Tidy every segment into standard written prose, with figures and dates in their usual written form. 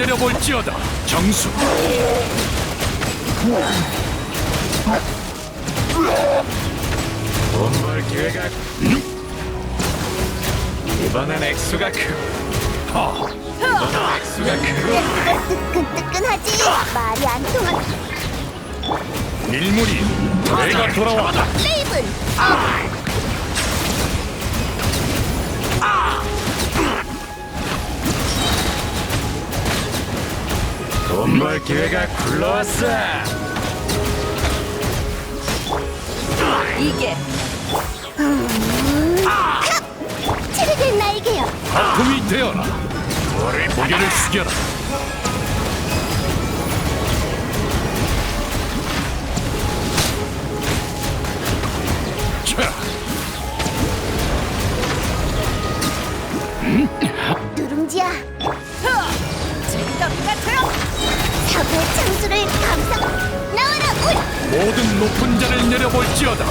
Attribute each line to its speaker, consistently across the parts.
Speaker 1: 내려볼지어다. 정수. 원벌 기회가 이번엔 액수가 이번엔 액수가
Speaker 2: 뜨끈뜨끈하지. 말이 안 통한
Speaker 1: 일물이 내가 돌아왔다.
Speaker 2: 레이븐.
Speaker 1: 돈벌 기회가 굴러왔어.
Speaker 3: 이게
Speaker 2: 치르된 날개요.
Speaker 1: 아픔이 되어라. 고개를 숙여라. 자,
Speaker 2: 누룽지야.
Speaker 3: 징덕 같아요.
Speaker 2: 사고의 창수를 감상. 나와라 울.
Speaker 1: 모든 높은 자를 내려볼지어다.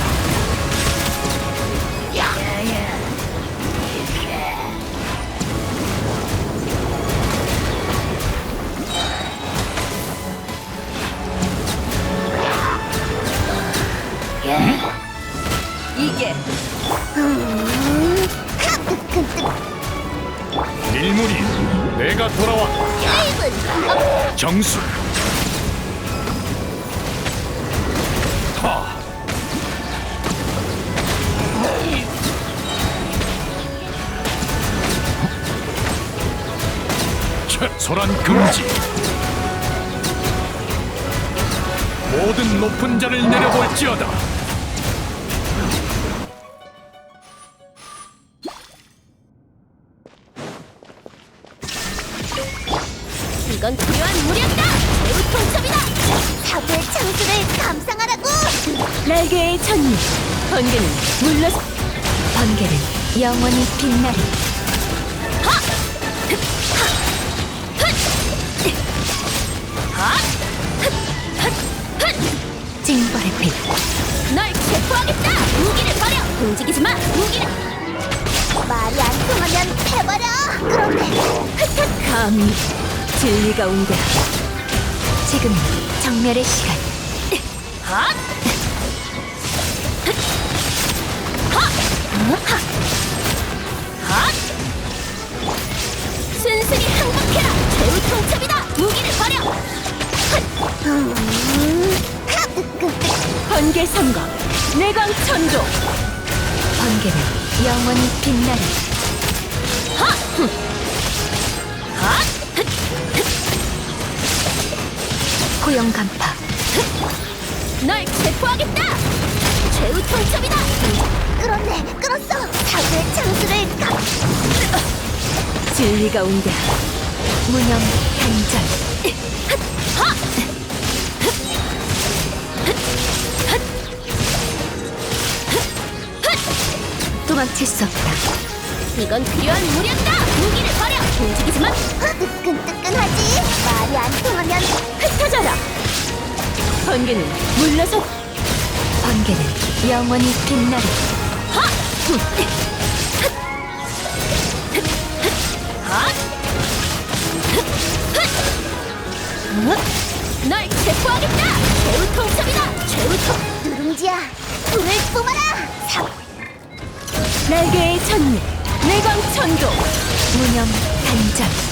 Speaker 3: 이게
Speaker 2: 뜨끈뜨끈.
Speaker 1: 일물이 내가 돌아왔다.
Speaker 2: 레이븐.
Speaker 1: 정수. 하. 소란 금지. 모든 높은 자를 내려볼지어다.
Speaker 2: 이건 필요한 무력이다. 매우 통첩이다. 사고의 창수를 감상하라고.
Speaker 3: 날개의 천리. 번개는 물러서. 번개는 영원히 빛나리. 징벌의 빛.
Speaker 2: 널 체포하겠다. 무기를 버려. 움직이지 마. 무기를. 말이 안 통하면 해버려. 그런데
Speaker 3: 감히 진리가 온다. 지금 정멸의 시간.
Speaker 2: 순순히 항복해라. 최후 통첩이다. 무기를 버려.
Speaker 3: 번개 선거. 내광 천조. 번개는 영원히 빛나리. 고용 간파.
Speaker 2: 널 체포하겠다. 최후 통첩이다. 끌었네. 끌었어. 사고의 창수를
Speaker 3: 진리가 온다. 무념 단전. 도망칠 수 없다.
Speaker 2: 이건 필요한 무력이다. 무기를 버려. 움직이지 마. 뜨끈뜨끈하지. 말이 안 통하면
Speaker 3: 흩어져라. 번개는 물러서. 번개는 영원히 빛나리.
Speaker 2: 널 체포하겠다. 최후 통첩이다. 최후 통. 누룽지야. 불을 뿜어라.
Speaker 3: 날개의 천리. 내광 천조. 무념 단전.